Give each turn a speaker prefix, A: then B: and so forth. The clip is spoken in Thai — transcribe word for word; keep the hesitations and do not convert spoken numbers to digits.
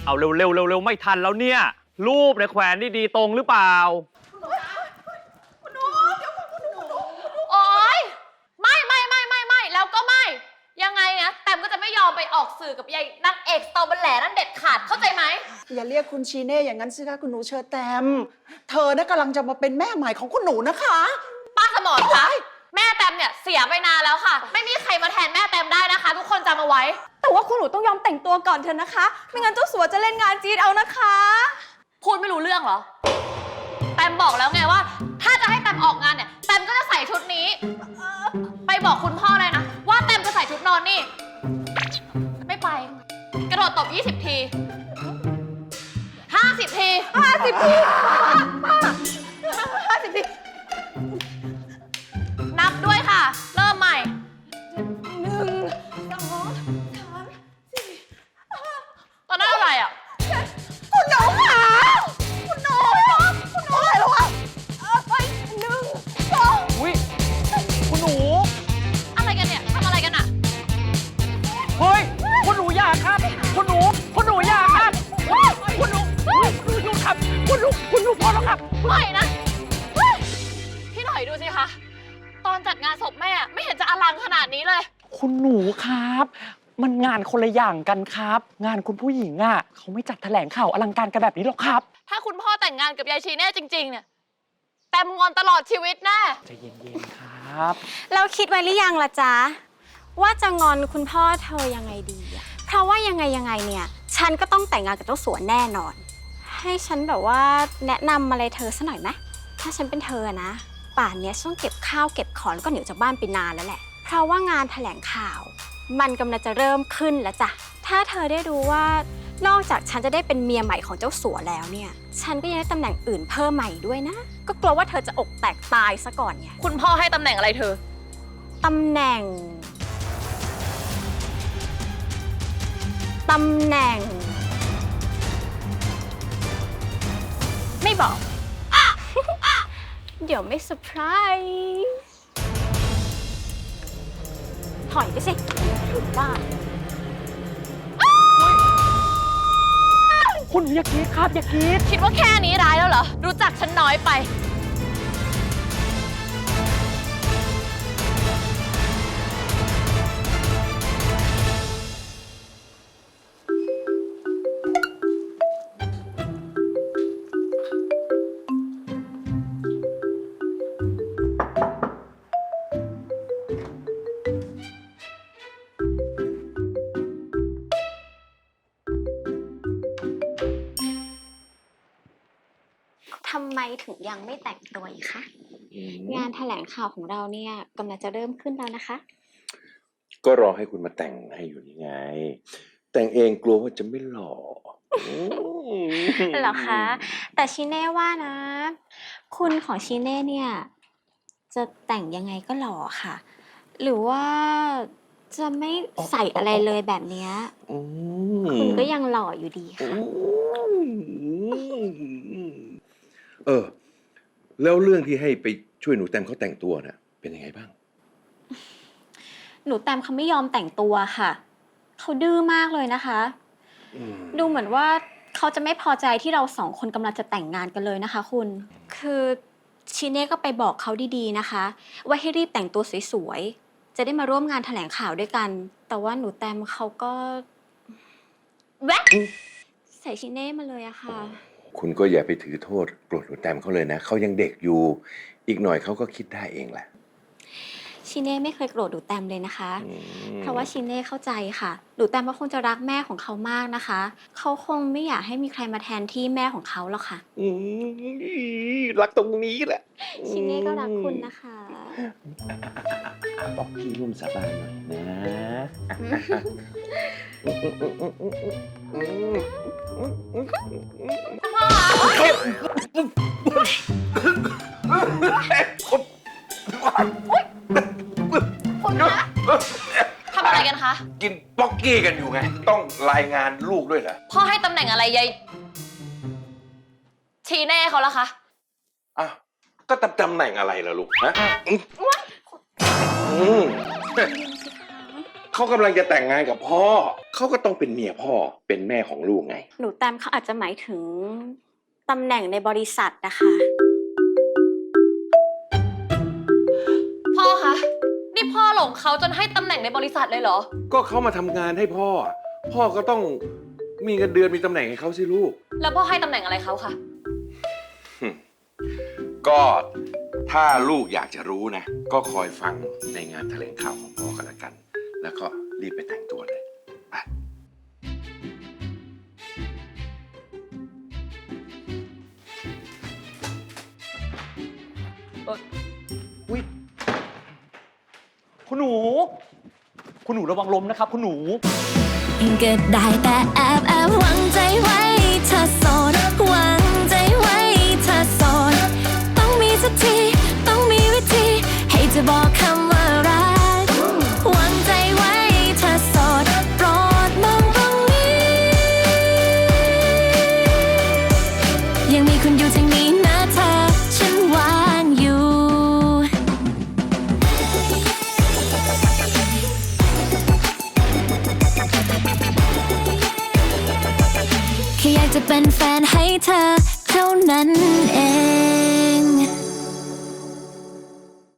A: เอาเร็วเร็วเร็วเร็วไม่ทันแล้วเนี่ยรูปในแขวนดีๆตรงหรือเปล่า
B: คุณหนูเดี๋ยวคุณหนูโอ๊ยไม่ไม่ไม่ไม่ไม่แล้วก็ไม่ยังไงนะแต้มก็จะไม่ยอมไปออกสื่อกับยายนางเอกสตอเบอร์แหล่นั่นเด็ดขาดเข้าใจไหม
C: อย่าเรียกคุณชีเน่อย่างนั้นสิคะคุณหนูเชอแตมเธอน่ะกำลังจะมาเป็นแม่ใหม่ของคุณหนูนะคะ
B: ป้าสมรคะแม่แต้มเนี่ยเสียไปนานแล้วค่ะไม่มีใครมาแทนแม่แต้มได้นะคะ ทุกคนจำเอาไว้
D: แต่ว่าคุณหนูต้องยอมแต่งตัวก่อนเถอะนะคะไม่งั้นเจ้าสัวจะเล่นงานจีนเอานะคะ
B: พูดไม่รู้เรื่องเหรอแต้มบอกแล้วไงว่าถ้าจะให้แต้มออกงานเนี่ยแต้มก็จะใส่ชุดนี้ไปบอกคุณพ่อเลยนะว่าแต้มจะใส่ชุดนอนนี่ไม่ไปกระโดดตบยี่สิบทีห้าสิบที
D: ห้าสิบทีห้าสิบที
B: นับด้วยค่ะเริ่มใหม่
D: หนึ่งสองสามสี่
B: ตอนนั้นอะไรอ่ะ
D: คุณหนูค่ะคุณหนูคุณหนูอะไรแล้วอ่ะไปหนึ่งสอง
A: อุ้ยคุณหนู
B: อะไรกันเนี่ยทำอะไรกันอ่ะ
A: เฮ้ยคุณหนูอย่าครับคุณหนูคุณหนูอย่าครับคุณหนูคุณหนูครับคุณหนูคุณหนูพอแล้วครับ
B: ไม่นะพี่หน่อยดูสิคะตอนจัดงานศพแม่ไม่เห็นจะอลังขนาดนี้เลย
A: คุณหนูครับมันงานคนละอย่างกันครับ งานคุณผู้หญิงอ่ะเขาไม่จัดแถลงข่าวอลังการกันแบบนี้หรอกครับ
B: ถ้าคุณพ่อแต่งงานกับยายชีแน่จริงๆเนี่ยแต้มงอนตลอดชีวิตแน่
A: ใจเย็นๆครับ
D: เราคิดไว้หรือยังล่ะจ๊ะว่าจะงอนคุณพ่อเธอยังไงดีอะเพราะว่ายังไงยังไงเนี่ยฉันก็ต้องแต่งงานกับเจ้าสัวแน่นอนให้ฉันแบบว่าแนะนำอะไรเธอสักหน่อยไหมถ้าฉันเป็นเธอนะป่านนี้ต้องเก็บข้าวเก็บของแล้วก็หนีจากบ้านไปนานแล้วแหละเพราะว่างานแถลงข่าวมันกำลังจะเริ่มขึ้นแล้วจ้ะถ้าเธอได้รู้ว่านอกจากฉันจะได้เป็นเมียใหม่ของเจ้าสัวแล้วเนี่ยฉันก็ยังได้ตำแหน่งอื่นเพิ่มใหม่ด้วยนะก็กลัวว่าเธอจะอกแตกตายซะก่อนไง
B: คุณพ่อให้ตำแหน่งอะไรเธอ
D: ตำแหน่งตำแหน่งไม่บอก เดี๋ยวไม่เซอร์ไพรส์ถอยไปสิบ้า
A: คุณอย่าคิดครับอย่าคิด
B: คิดว่าแค่นี้ร้ายแล้วเหรอรู้จักฉันน้อยไป
D: ทำไมถึงยังไม่แต่งตัวอีกคะงานแถลงข่าวของเราเนี่ยกำลังจะเริ่มขึ้นแล้วนะคะ
E: ก็รอให้คุณมาแต่งให้อยู่นี่ไงแต่งเองกลัวว่าจะไม่หล่อ
D: เหรอคะแต่ชิเน่ว่านะคุณของชิเน่เนี่ยจะแต่งยังไงก็หล่อค่ะหรือว่าจะไม่ใส่อะไรเลยแบบเนี้ยคุณก็ยังหล่ออยู่ดีค่ะ
E: เออแล้วเรื่องที่ให้ไปช่วยหนูแตมเขาแต่งตัวน่ะเป็นยังไงบ้าง
D: หนูแตมเขาไม่ยอมแต่งตัวค่ะเขาดื้อมากเลยนะคะดูเหมือนว่าเขาจะไม่พอใจที่เราสองคนกำลังจะแต่งงานกันเลยนะคะคุณคือชิเน่ก็ไปบอกเขาดีๆนะคะว่าให้รีบแต่งตัวสวยๆจะได้มาร่วมงานแถลงข่าวด้วยกันแต่ว่าหนูแตมเขาก็แวะใส่ชิเน่มาเลยอะค่ะ
E: คุณก็อย่าไปถือโทษโกรธหนูแตมเขาเลยนะเขายังเด็กอยู่อีกหน่อยเขาก็คิดได้เองแหละ
D: ชิเน่ไม่เคยโกรธหนูแตมเลยนะคะเพราะว่าชิเน่เข้าใจค่ะหนูแตมก็คงจะรักแม่ของเขามากนะคะเขาคงไม่อยากให้มีใครมาแทนที่แม่ของเขาหรอกค่ะ
E: รักตรงนี้แหละ
D: ชิเน่ก็รักคุณนะคะ
E: บอกพี่ร่วมสาบานหน่อยนะ
B: คุณคะทำอะไรกันคะ
E: กินป๊อกกี้กันอยู่ไงต้องรายงานลูกด้วยเหรอ
B: พ่อให้ตำแหน่งอะไรยายชีเน่เขาละคะ
E: อ้าวก็ตำตำแหน่งอะไรล่ะลูกฮะเขเขากำลังจะแต่งงานกับพ่อ เขาก็ต้องเป็นเมียพ่อ เป็นแม่ของลูกไง
D: หนูแตมเขาอาจจะหมายถึงตำแหน่งในบริษัทนะคะ
B: พ่อคะนี่พ่อหลงเขาจนให้ตำแหน่งในบริษัทเลยเหรอ
E: ก็เขามาทำงานให้พ่อ พ่อก็ต้องมีเงินเดือนมีตำแหน่งให้เขาสิลูก
B: แล้วพ่อให้ตำแหน่งอะไรเขาคะ
E: ก็ถ้าลูกอยากจะรู้นะ ก็คอยฟังในงานแถลงข่าวของพ่อกันละกัน แล้วก็รีบไปแต่งตัวเลยไป
A: อุ๊ยคุณหนู คุณหนูระวังล้มนะครับ คุณหนู
F: ก็ได้แต่แอบแอบหวังใจไว้เธอโสดหวังใจไว้เธอโสดต้องมีสักทีต้องมีวิธีให้จะบอกคำว่ารักหวังใจไว้เธอโสดโปรดมองตรงนี้ยังมีคุณอยู่ทางนี้นะเธอฉันวางอยู่แค่อยากจะเป็นแฟนให้เธอเท่านั้นเอง